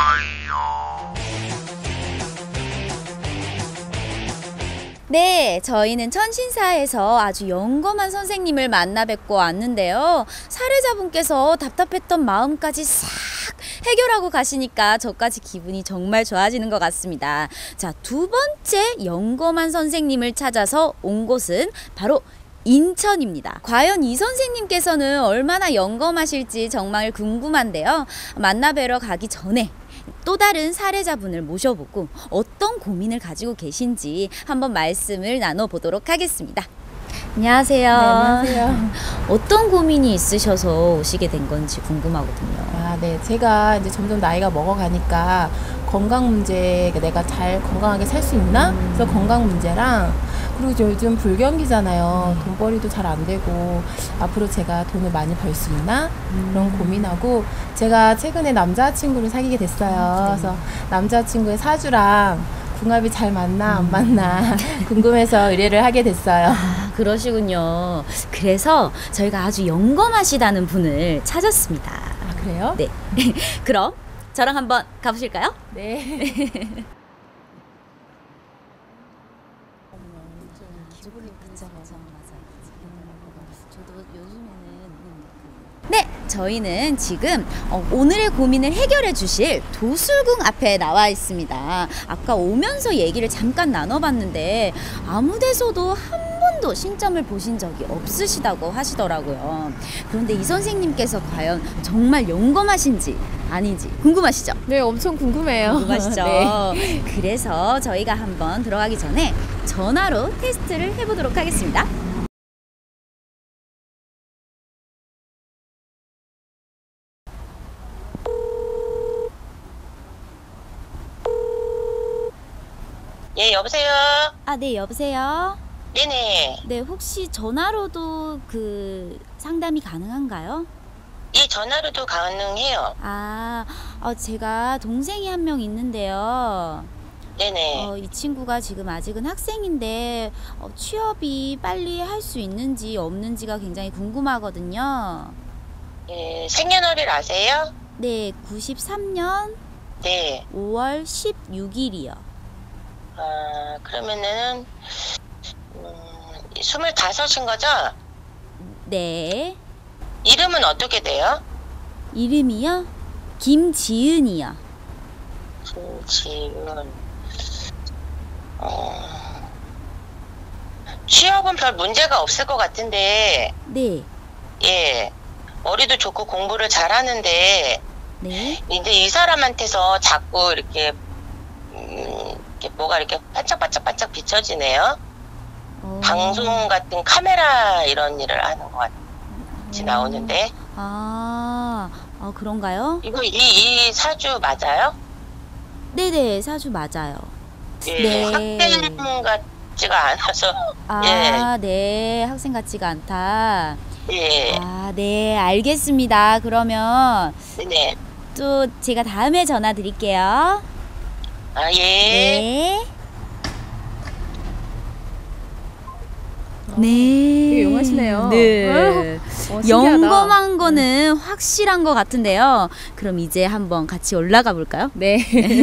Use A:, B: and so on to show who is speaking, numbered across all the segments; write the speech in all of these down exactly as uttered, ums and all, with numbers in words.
A: 네, 저희는 천신사에서 아주 영검한 선생님을 만나 뵙고 왔는데요. 사례자분께서 답답했던 마음까지 싹 해결하고 가시니까 저까지 기분이 정말 좋아지는 것 같습니다. 자, 두 번째 영검한 선생님을 찾아서 온 곳은 바로 인천입니다. 과연 이 선생님께서는 얼마나 영검하실지 정말 궁금한데요. 만나 뵈러 가기 전에 또 다른 사례자분을 모셔보고 어떤 고민을 가지고 계신지 한번 말씀을 나눠보도록 하겠습니다. 안녕하세요.
B: 네, 안녕하세요.
A: 어떤 고민이 있으셔서 오시게 된 건지 궁금하거든요.
B: 아, 네. 제가 이제 점점 나이가 먹어가니까 건강 문제, 내가 잘 건강하게 살 수 있나?
A: 음.
B: 그래서 건강 문제랑, 그리고 이제 요즘 불경기잖아요.
A: 음.
B: 돈벌이도 잘 안 되고 앞으로 제가 돈을 많이 벌 수 있나?
A: 음.
B: 그런 고민하고, 제가 최근에 남자친구를 사귀게 됐어요.
A: 네.
B: 그래서 남자친구의 사주랑 궁합이 잘 맞나 안
A: 음.
B: 맞나 궁금해서 의뢰를 하게 됐어요.
A: 아, 그러시군요. 그래서 저희가 아주 영검하시다는 분을 찾았습니다.
B: 아, 그래요?
A: 네. 그럼 저랑 한번 가보실까요?
B: 네.
A: 네, 저희는 지금 어, 오늘의 고민을 해결해 주실 도술궁 앞에 나와 있습니다. 아까 오면서 얘기를 잠깐 나눠봤는데 아무 데서도 한 번도 신점을 보신 적이 없으시다고 하시더라고요. 그런데 이 선생님께서 과연 정말 영검하신지 아닌지 궁금하시죠?
B: 네, 엄청 궁금해요.
A: 궁금하시죠?
B: 네.
A: 그래서 저희가 한번 들어가기 전에 전화로 테스트를 해보도록 하겠습니다.
C: 예, 여보세요?
A: 아, 네, 여보세요?
C: 네네.
A: 네, 혹시 전화로도 그 상담이 가능한가요?
C: 이 전화로도 가능해요.
A: 아, 어, 제가 동생이 한 명 있는데요.
C: 네네.
A: 어, 이 친구가 지금 아직은 학생인데 어, 취업이 빨리 할 수 있는지 없는지가 굉장히 궁금하거든요.
C: 예, 생년월일 아세요?
A: 네, 구십삼 년
C: 네.
A: 오월 십육 일이요.
C: 아, 그러면은, 음, 스물다섯인 거죠?
A: 네.
C: 이름은 어떻게 돼요?
A: 이름이요? 김지은이요.
C: 김지은. 어, 취업은 별 문제가 없을 것 같은데,
A: 네.
C: 예. 머리도 좋고 공부를 잘하는데,
A: 네.
C: 이제 이 사람한테서 자꾸 이렇게, 음, 이렇게 뭐가 이렇게 반짝반짝반짝 비춰지네요.
A: 어.
C: 방송 같은 카메라 이런 일을 하는 것 같이
A: 어.
C: 나오는데,
A: 아, 아, 그런가요?
C: 이거 이, 이 사주 맞아요?
A: 네네, 사주 맞아요.
C: 예,
A: 네.
C: 학생 같지가 않아서.
A: 아, 네, 학생 같지가 않다.
C: 예,
A: 아, 네, 알겠습니다. 그러면
C: 네.
A: 또 제가 다음에 전화 드릴게요.
C: 아, 예.
A: 네.
B: 네. 되게
A: 네.
B: 용하시네요.
A: 네.
B: 어, 신기하다.
A: 영검한 거는 확실한 것 같은데요. 그럼 이제 한번 같이 올라가 볼까요?
B: 네.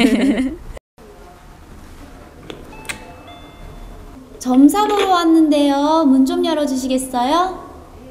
A: 점사 보러 왔는데요. 문 좀 열어주시겠어요?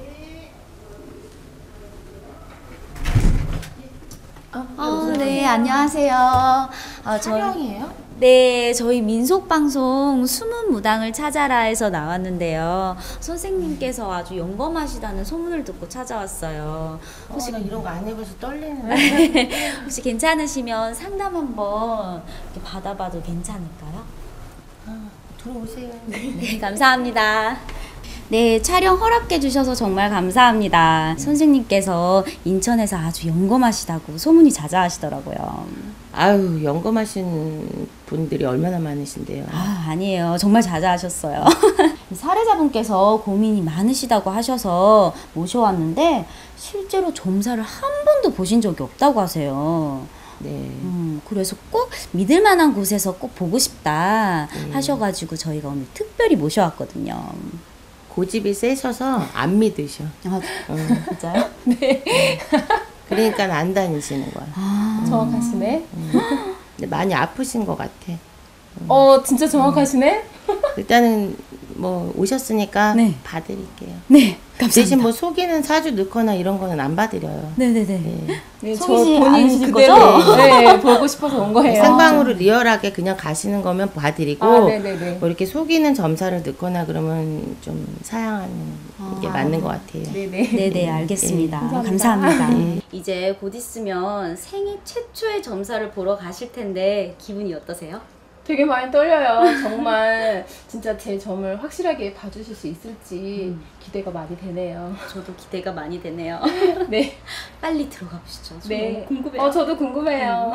A: 아, 네, 안녕하세요. 아, 저,
B: 촬영이에요?
A: 네, 저희 민속방송 숨은 무당을 찾아라에서 나왔는데요. 선생님께서 아주 영검하시다는 소문을 듣고 찾아왔어요. 혹시,
D: 어, 나 이런 거 안 해봐서 떨리네.
A: 혹시 괜찮으시면 상담 한번 이렇게 받아봐도 괜찮을까요?
D: 아, 들어오세요.
A: 네, 감사합니다. 네, 촬영 허락해 주셔서 정말 감사합니다. 선생님께서 인천에서 아주 영검하시다고 소문이 자자하시더라고요.
D: 아유, 영검하신 분들이 얼마나 많으신데요.
A: 아, 아니에요. 정말 자자하셨어요. 사례자분께서 고민이 많으시다고 하셔서 모셔왔는데 실제로 점사를 한 번도 보신 적이 없다고 하세요.
D: 네.
A: 음, 그래서 꼭 믿을 만한 곳에서 꼭 보고 싶다
D: 네.
A: 하셔가지고 저희가 오늘 특별히 모셔왔거든요.
D: 고집이 세셔서 안 믿으셔.
A: 아,
D: 어.
A: 진짜요?
B: 네.
D: 그러니까 안 다니시는 거야.
A: 아.
B: 정확하시네.
D: 근데 많이 아프신 것 같아.
B: 어, 진짜 정확하시네.
D: 일단은 뭐 오셨으니까
A: 네.
D: 봐드릴게요.
A: 네, 감사합니다.
D: 대신 뭐 속이는 사주 넣거나 이런 거는 안 봐드려요.
A: 네네네.
D: 네.
B: 네, 저
A: 속이지
B: 본인
A: 않으실
B: 그대로
A: 거죠?
B: 네, 보고 싶어서 온 거예요.
D: 생방으로 리얼하게 그냥 가시는 거면 봐드리고
B: 아, 네네네.
D: 뭐 이렇게 속이는 점사를 넣거나 그러면 좀 사양하는 게 맞는 것 같아요.
B: 네네.
A: 네네, 알겠습니다.
B: 네,
A: 감사합니다.
B: 감사합니다.
A: 이제 곧 있으면 생애 최초의 점사를 보러 가실 텐데 기분이 어떠세요?
B: 되게 많이 떨려요. 정말 진짜 제 점을 확실하게 봐주실 수 있을지 기대가 많이 되네요.
A: 저도 기대가 많이 되네요.
B: 네.
A: 빨리 들어가 보시죠. 저
B: 네.
A: 너무 궁금해요.
B: 어, 저도 궁금해요.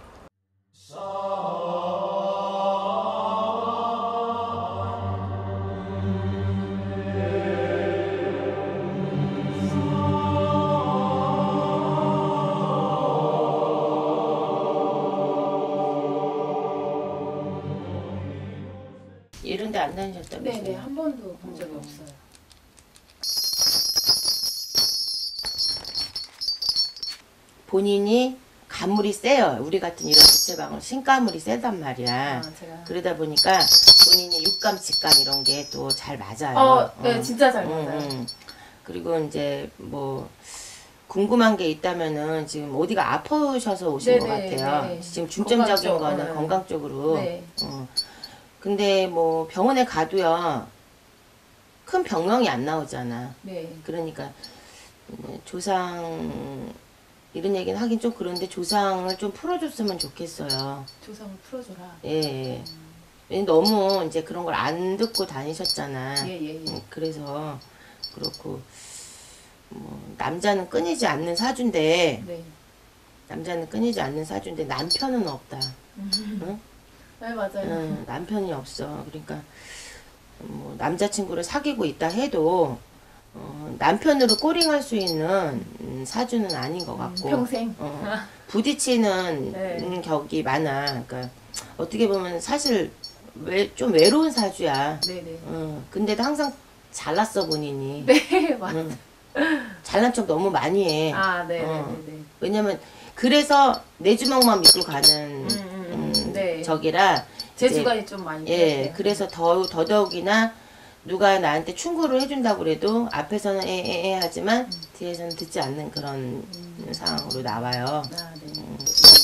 D: 이런 데 안 다니셨다면서요?
B: 네네, 한 번도 본 적이 없어요.
D: 본인이 가물이 세요. 우리 같은 이런 부채방울 신가물이 세단 말이야.
B: 아, 제가.
D: 그러다 보니까 본인이 육감, 직감 이런 게 또 잘 맞아요.
B: 어, 네,
D: 어.
B: 진짜 잘
D: 음,
B: 맞아요.
D: 음. 그리고 이제 뭐 궁금한 게 있다면은 지금 어디가 아프셔서 오신 것
B: 네네,
D: 같아요.
B: 네.
D: 지금 중점적인
B: 건강 쪽,
D: 거는
B: 네.
D: 건강 쪽으로.
B: 네.
D: 어. 근데 뭐 병원에 가도요. 큰 병명이 안 나오잖아.
B: 네.
D: 그러니까 음, 조상 이런 얘기는 하긴 좀 그런데 조상을 좀 풀어줬으면 좋겠어요.
B: 조상을 풀어줘라.
D: 예. 예. 왜냐면 너무 이제 그런 걸 안 듣고 다니셨잖아.
B: 예, 예, 예.
D: 음, 그래서 그렇고 뭐 남자는 끊이지 않는 사주인데
B: 네.
D: 남자는 끊이지 않는 사주인데 남편은 없다. 응?
B: 네, 맞아요.
D: 응, 남편이 없어. 그러니까 뭐 남자친구를 사귀고 있다 해도 어, 남편으로 꼬링할 수 있는 음, 사주는 아닌 것 같고
B: 평생.
D: 어, 부딪히는
B: 네.
D: 음, 격이 많아. 그러니까 어떻게 보면 사실 왜, 좀 외로운 사주야.
B: 네네.
D: 어, 근데도 항상 잘났어 본인이.
B: 네, 맞아요.
D: 응. 잘난 척 너무 많이 해.
B: 아, 네,
D: 어.
B: 네, 네.
D: 왜냐면 그래서 내 주먹만 믿고 가는
B: 음, 음,
D: 음,
B: 네.
D: 적이라
B: 제
D: 이제,
B: 주관이 좀 많이
D: 예,
B: 들었어요.
D: 그래서 더 더더욱이나 누가 나한테 충고를 해준다고 그래도 앞에서는 에에에 하지만 뒤에서는 듣지 않는 그런 상황으로 나와요.
B: 아, 네.
D: 음.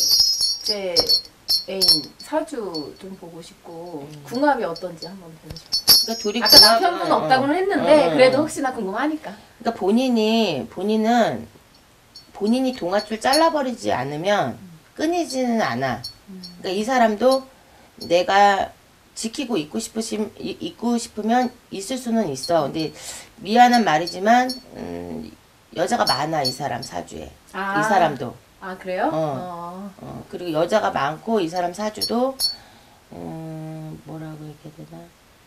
B: 제 애인 사주 좀 보고 싶고 궁합이 어떤지 한번 보고 싶어요.
D: 그러니까 둘이
B: 아까
D: 궁합은-
B: 남편분 없다고는
D: 어,
B: 했는데
D: 어, 어.
B: 그래도 혹시나 궁금하니까.
D: 그러니까 본인이 본인은 본인이 동아줄 잘라버리지 않으면 끊이지는 않아. 그러니까 이 사람도 내가 지키고 있고 싶으심 이- 있고 싶으면 있을 수는 있어. 근데 미안한 말이지만 음, 여자가 많아 이 사람 사주에.
B: 아.
D: 이 사람도.
B: 아, 그래요?
D: 어. 어, 그리고 여자가 많고 이 사람 사주도 음, 뭐라고 얘기해야 되나?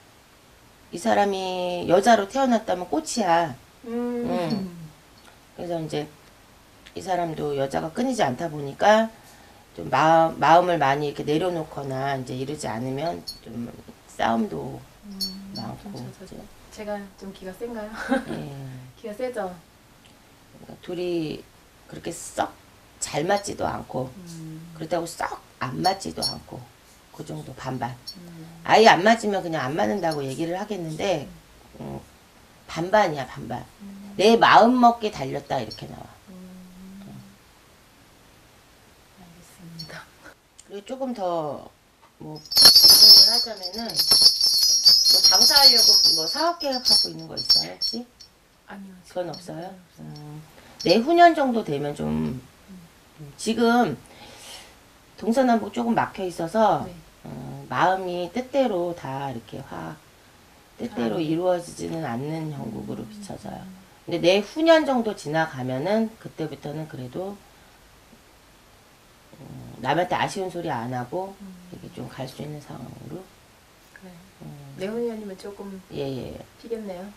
D: 이 사람이 여자로 태어났다면 꽃이야.
B: 음.
D: 음. 그래서 이제 이 사람도 여자가 끊이지 않다 보니까 좀 마음, 마음을 많이 이렇게 내려놓거나 이제 이러지 않으면 좀 싸움도 많고.
B: 좀 저, 저,
D: 이제,
B: 제가 좀 기가 센가요?
D: 예.
B: 기가 세죠?
D: 그러니까 둘이 그렇게 썩 잘 맞지도 않고 그렇다고 썩 안 맞지도 않고 그 정도 반반. 아예 안 맞으면 그냥 안 맞는다고 얘기를 하겠는데 음, 반반이야 반반. 내 마음 먹기 달렸다 이렇게 나와.
B: 알겠습니다.
D: 그리고 조금 더 뭐 질문을 하자면은 뭐 장사하려고 뭐 사업 계획하고 있는 거 있어요 혹시?
B: 아니요.
D: 그건 없어요? 음, 내후년 정도 되면 좀 지금 동서남북 조금 막혀 있어서
B: 네.
D: 어, 마음이 뜻대로 다 이렇게 확 뜻대로
B: 아.
D: 이루어지지는 않는 형국으로 비춰져요. 근데 내후년 정도 지나가면은 그때부터는 그래도 음, 남한테 아쉬운 소리 안 하고 이렇게 좀 갈 수 있는 상황으로.
B: 그래.
D: 음,
B: 내훈이 아니면 조금
D: 예, 예.
B: 피겠네요.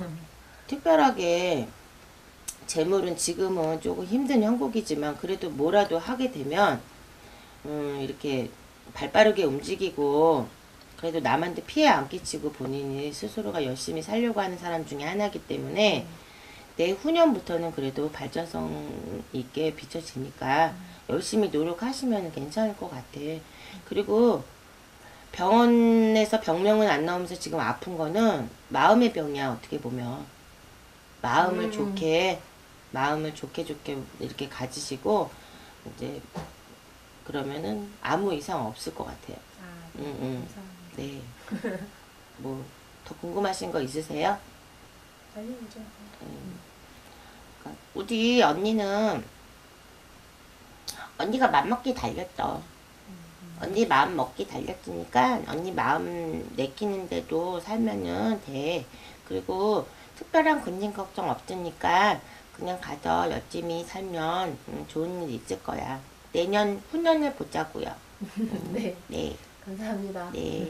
D: 특별하게 재물은 지금은 조금 힘든 형국이지만 그래도 뭐라도 하게 되면 음, 이렇게 발빠르게 움직이고 그래도 남한테 피해 안 끼치고 본인이 스스로가 열심히 살려고 하는 사람 중에 하나이기 때문에 내후년부터는 그래도 발전성 있게 비춰지니까 열심히 노력하시면 괜찮을 것 같아. 그리고 병원에서 병명은 안 나오면서 지금 아픈 거는 마음의 병이야. 어떻게 보면 마음을
B: 음.
D: 좋게 마음을 좋게 좋게 이렇게 가지시고 이제 그러면은 아무 이상 없을 것 같아요.
B: 아,
D: 응, 응.
B: 감사합니다.
D: 네. 뭐 더 궁금하신 거 있으세요?
B: 아니죠.
D: 그러니까 우리 언니는 언니가 맘먹기 달렸어. 언니 마음 먹기 달렸으니까 언니 마음 내키는데도 살면은 돼. 그리고 특별한 근심 걱정 없으니까 그냥 가서 열심히 살면 음, 좋은 일 있을 거야. 내년 후년을 보자고요.
B: 네,
D: 네,
B: 감사합니다.
D: 네.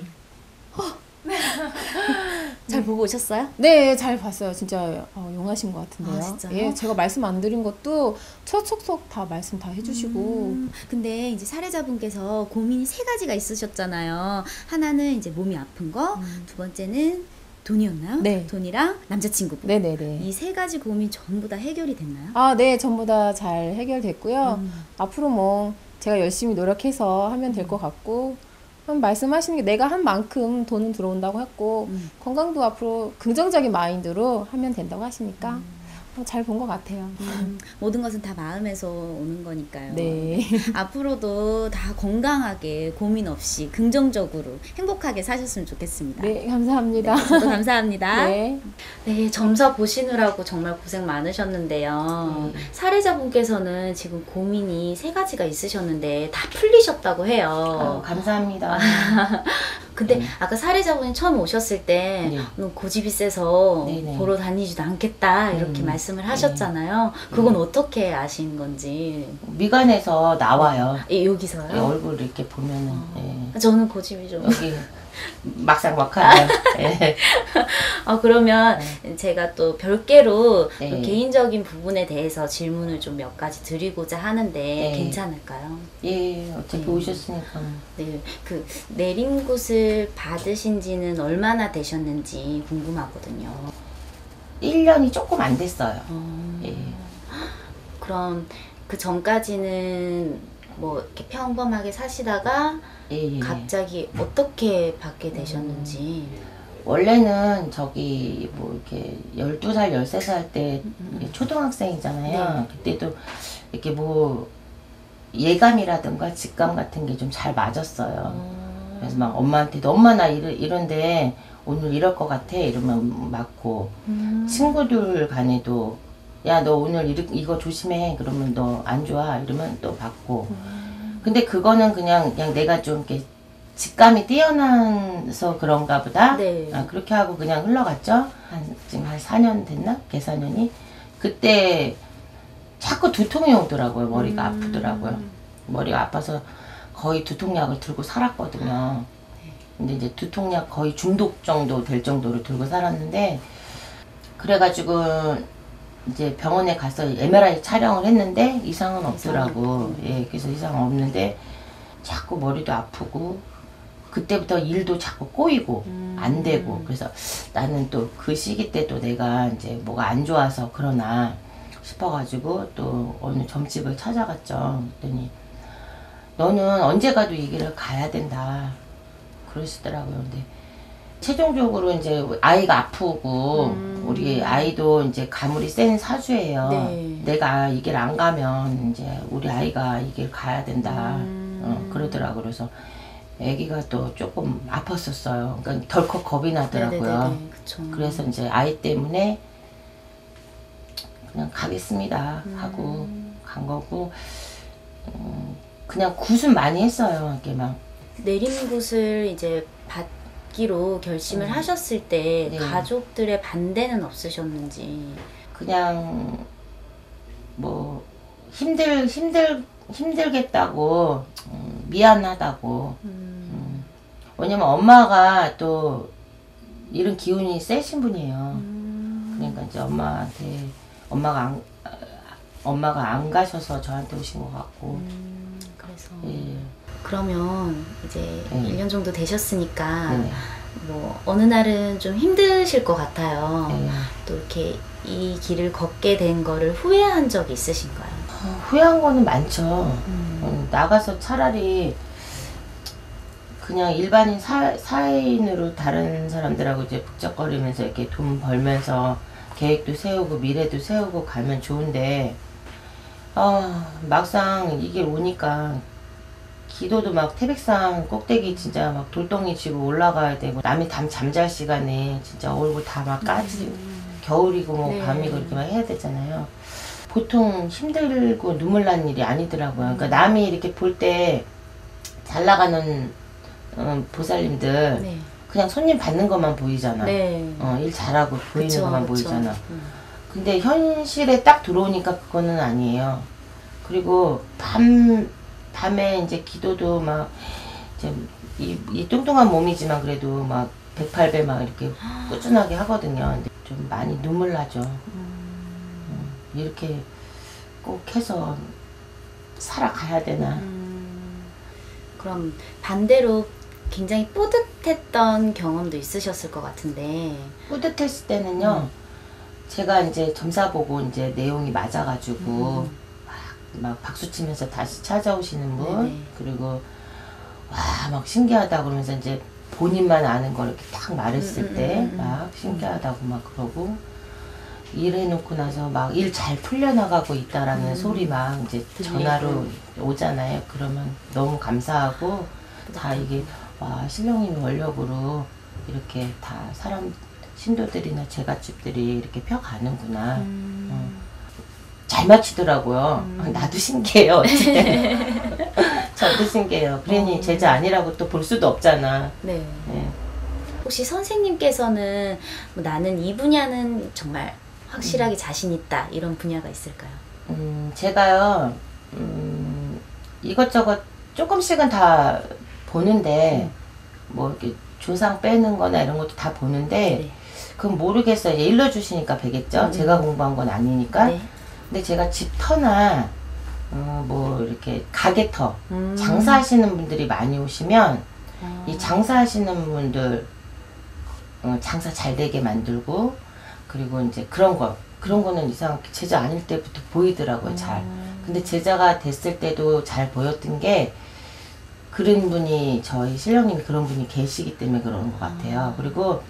A: 잘 보고 오셨어요?
B: 네, 잘 봤어요. 진짜 어, 용하신 것 같은데요.
A: 아, 진짜요?
B: 예, 제가 말씀 안 드린 것도 척척척 다 말씀 다 해주시고.
A: 음, 근데 이제 사례자분께서 고민이 세 가지가 있으셨잖아요. 하나는 이제 몸이 아픈 거,
B: 음.
A: 두 번째는 돈이었나요?
B: 네.
A: 돈이랑 남자친구분.
B: 네네네.
A: 이 세 가지 고민 전부 다 해결이 됐나요?
B: 아, 네, 전부 다 잘 해결됐고요.
A: 음.
B: 앞으로 뭐 제가 열심히 노력해서 하면 될 것 같고, 그럼 말씀하시는 게 내가 한 만큼 돈은 들어온다고 했고,
A: 음.
B: 건강도 앞으로 긍정적인 마인드로 하면 된다고 하시니까 어, 잘 본 것 같아요.
A: 음, 모든 것은 다 마음에서 오는 거니까요.
B: 네.
A: 앞으로도 다 건강하게 고민 없이 긍정적으로 행복하게 사셨으면 좋겠습니다.
B: 네, 감사합니다.
A: 네, 저도 감사합니다.
B: 네.
A: 네, 점사 보시느라고 정말 고생 많으셨는데요.
D: 네.
A: 사례자분께서는 지금 고민이 세 가지가 있으셨는데 다 풀리셨다고 해요.
D: 어, 감사합니다.
A: 근데
D: 네.
A: 아까 사례자분이 처음 오셨을 때
D: 네.
A: 음, 고집이 세서
D: 네네.
A: 보러 다니지도 않겠다 이렇게
D: 음.
A: 말씀을 하셨잖아요. 그건 어떻게 아신 건지.
D: 미간에서 나와요.
A: 예,
D: 예,
A: 여기서요?
D: 얼굴 이렇게 보면은 예.
A: 저는 고집이 좀.
D: 여기 막상 막하네요. 예.
A: 아, 그러면 제가 또 별개로
D: 네.
A: 또 개인적인 부분에 대해서 질문을 좀 몇 가지 드리고자 하는데
D: 네.
A: 괜찮을까요?
D: 예, 어차피
A: 네.
D: 오셨으니까.
A: 네, 그 내림굿을 받으신 지는 얼마나 되셨는지 궁금하거든요.
D: 일 년이 조금 안 됐어요.
A: 어,
D: 예.
A: 그럼 그 전까지는 뭐 이렇게 평범하게 사시다가
D: 예, 예.
A: 갑자기 어떻게 받게 되셨는지.
D: 원래는 저기 뭐 이렇게 열두 살, 열세 살 때 초등학생이잖아요. 그때도 이렇게 뭐 예감이라든가 직감 같은 게 좀 잘 맞았어요.
A: 어,
D: 그래서 막 엄마한테도 엄마 나 이러, 이런데 오늘 이럴 것 같아 이러면 맞고
A: 음.
D: 친구들 간에도 야 너 오늘 이르, 이거 조심해 그러면 너 안 좋아 이러면 또 받고 근데 그거는 그냥 그냥 내가 좀 이렇게 직감이 뛰어나서 그런가 보다.
A: 네.
D: 아, 그렇게 하고 그냥 흘러갔죠. 한 지금 한 사 년 됐나? 계사년이 그때 자꾸 두통이 오더라고요. 머리가
A: 음.
D: 아프더라고요. 머리가 아파서 거의 두통약을 들고 살았거든요. 근데 이제 두통약 거의 중독 정도 될 정도로 들고 살았는데 그래가지고 이제 병원에 가서 엠알아이 촬영을 했는데 이상은 없더라고. 예, 그래서 이상 없는데 자꾸 머리도 아프고 그때부터 일도 자꾸 꼬이고
A: 음.
D: 안 되고 그래서 나는 또 그 시기 때 또 내가 이제 뭐가 안 좋아서 그러나 싶어가지고 또 어느 점집을 찾아갔죠. 그랬더니 너는 언제 가도 이 길을 가야 된다 그러시더라고요. 근데 최종적으로 이제 아이가 아프고
A: 음.
D: 우리 아이도 이제 가물이 센 사주예요.
A: 네.
D: 내가 이 길 안 가면 이제 우리 아이가 이 길 가야 된다.
A: 음.
D: 어, 그러더라고요. 그래서 아기가 또 조금 아팠었어요. 그러니까 덜컥 겁이 나더라고요.
A: 네네네, 그쵸.
D: 그래서 이제 아이 때문에 그냥 가겠습니다 하고
A: 음.
D: 간 거고 음, 그냥 굿은 많이 했어요. 이렇게 막
A: 내림굿을 이제 받기로 결심을
D: 음.
A: 하셨을 때
D: 네.
A: 가족들의 반대는 없으셨는지.
D: 그냥 뭐 힘들 힘들 힘들겠다고 음, 미안하다고
A: 음.
D: 음, 왜냐면 엄마가 또 이런 기운이 세신 분이에요.
A: 음.
D: 그러니까 이제 엄마한테 엄마가 안 아, 엄마가 안 가셔서 저한테 오신 것 같고
A: 음, 그래서
D: 예.
A: 그러면 이제
D: 네.
A: 일 년 정도 되셨으니까
D: 네네.
A: 뭐 어느 날은 좀 힘드실 것 같아요.
D: 예.
A: 또 이렇게 이 길을 걷게 된 거를 후회한 적이 있으신가요?
D: 어, 후회한 거는 많죠.
A: 음.
D: 음, 나가서 차라리 그냥 일반인 사, 사인으로 다른 사람들하고 이제 북적거리면서 이렇게 돈 벌면서 계획도 세우고 미래도 세우고 가면 좋은데, 아, 막상 이게 오니까 기도도 막 태백산 꼭대기 진짜 막 돌덩이 지고 올라가야 되고, 남이 담 잠잘 시간에 진짜 얼굴 다 막 까지,
A: 음.
D: 겨울이고 뭐
A: 네.
D: 밤이고 이렇게 막 해야 되잖아요. 보통 힘들고 눈물 나는 일이 아니더라고요. 그러니까 남이 이렇게 볼 때 잘 나가는 어, 보살님들
A: 네.
D: 그냥 손님 받는 것만 보이잖아.
A: 네.
D: 어, 일 잘하고 보이는
A: 그쵸,
D: 것만
A: 그쵸.
D: 보이잖아.
A: 음.
D: 근데 현실에 딱 들어오니까 그거는 아니에요. 그리고 밤 밤에 이제 기도도 막 이제 이, 이 뚱뚱한 몸이지만 그래도 막 백팔 배 막 이렇게 꾸준하게 하거든요. 근데 좀 많이 눈물 나죠. 음, 이렇게 꼭 해서 살아가야 되나.
A: 음. 그럼 반대로 굉장히 뿌듯했던 경험도 있으셨을 것 같은데.
D: 뿌듯했을 때는요, 제가 이제 점사 보고 이제 내용이 맞아가지고
A: 음.
D: 막, 막 박수 치면서 다시 찾아오시는 분,
A: 네네.
D: 그리고 와, 막 신기하다 그러면서 이제 본인만 아는 걸 이렇게 딱 말했을
A: 음, 음,
D: 때
A: 음, 음.
D: 막 신기하다고 막 그러고, 일해놓고 나서 막 일 잘 풀려나가고 있다라는
A: 음.
D: 소리 막 이제
A: 들리고.
D: 전화로 오잖아요. 그러면 너무 감사하고, 다 이게 와, 신령님이 원력으로 이렇게 다 사람 신도들이나 제갓집들이 이렇게 펴가는구나.
A: 음.
D: 어. 잘 맞추더라고요.
A: 음.
D: 나도 신기해요. 어쨌든 저도 신기해요. 그러니
A: 어.
D: 제자 아니라고 또 볼 수도 없잖아.
A: 네.
D: 예.
A: 혹시 선생님께서는 뭐 나는 이 분야는 정말 확실하게 자신 있다 이런 분야가 있을까요?
D: 음, 제가요, 음, 이것저것 조금씩은 다 보는데, 뭐, 이렇게 조상 빼는 거나 이런 것도 다 보는데,
A: 네.
D: 그건 모르겠어요. 이제 일러주시니까 베겠죠?
A: 음.
D: 제가 공부한 건 아니니까.
A: 네.
D: 근데 제가 집터나, 어, 뭐, 이렇게 가게터,
A: 음.
D: 장사하시는 분들이 많이 오시면,
A: 어.
D: 이 장사하시는 분들, 어, 장사 잘 되게 만들고, 그리고 이제 그런 거, 그런 거는 이상하게 제자 아닐 때부터 보이더라고요, 잘.
A: 음.
D: 근데 제자가 됐을 때도 잘 보였던 게, 그런 분이, 저희 신령님이 그런 분이 계시기 때문에 그러는 것 같아요.
A: 아.
D: 그리고,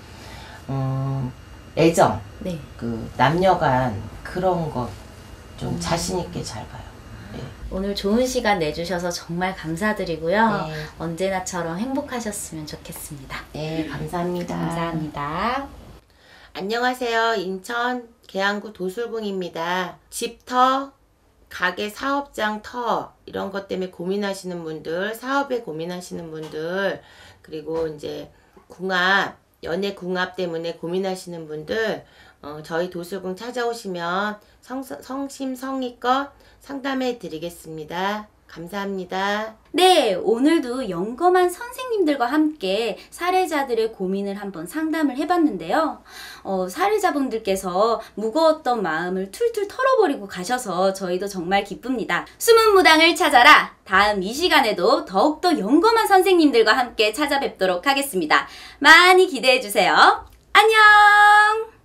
D: 음, 애정,
A: 네.
D: 그, 남녀간 그런 거 좀
A: 음.
D: 자신있게 잘 봐요. 네.
A: 오늘 좋은 시간 내주셔서 정말 감사드리고요.
D: 네.
A: 언제나처럼 행복하셨으면 좋겠습니다.
D: 네, 감사합니다.
A: 감사합니다.
D: 안녕하세요. 인천 계양구 도술궁입니다. 집터, 가게 사업장 터 이런 것 때문에 고민하시는 분들, 사업에 고민하시는 분들, 그리고 이제 궁합, 연애 궁합 때문에 고민하시는 분들, 어, 저희 도술궁 찾아오시면 성, 성심성의껏 상담해 드리겠습니다. 감사합니다.
A: 네, 오늘도 영검한 선생님들과 함께 사례자들의 고민을 한번 상담을 해봤는데요. 어, 사례자분들께서 무거웠던 마음을 툴툴 털어버리고 가셔서 저희도 정말 기쁩니다. 숨은 무당을 찾아라! 다음 이 시간에도 더욱더 영검한 선생님들과 함께 찾아뵙도록 하겠습니다. 많이 기대해주세요. 안녕!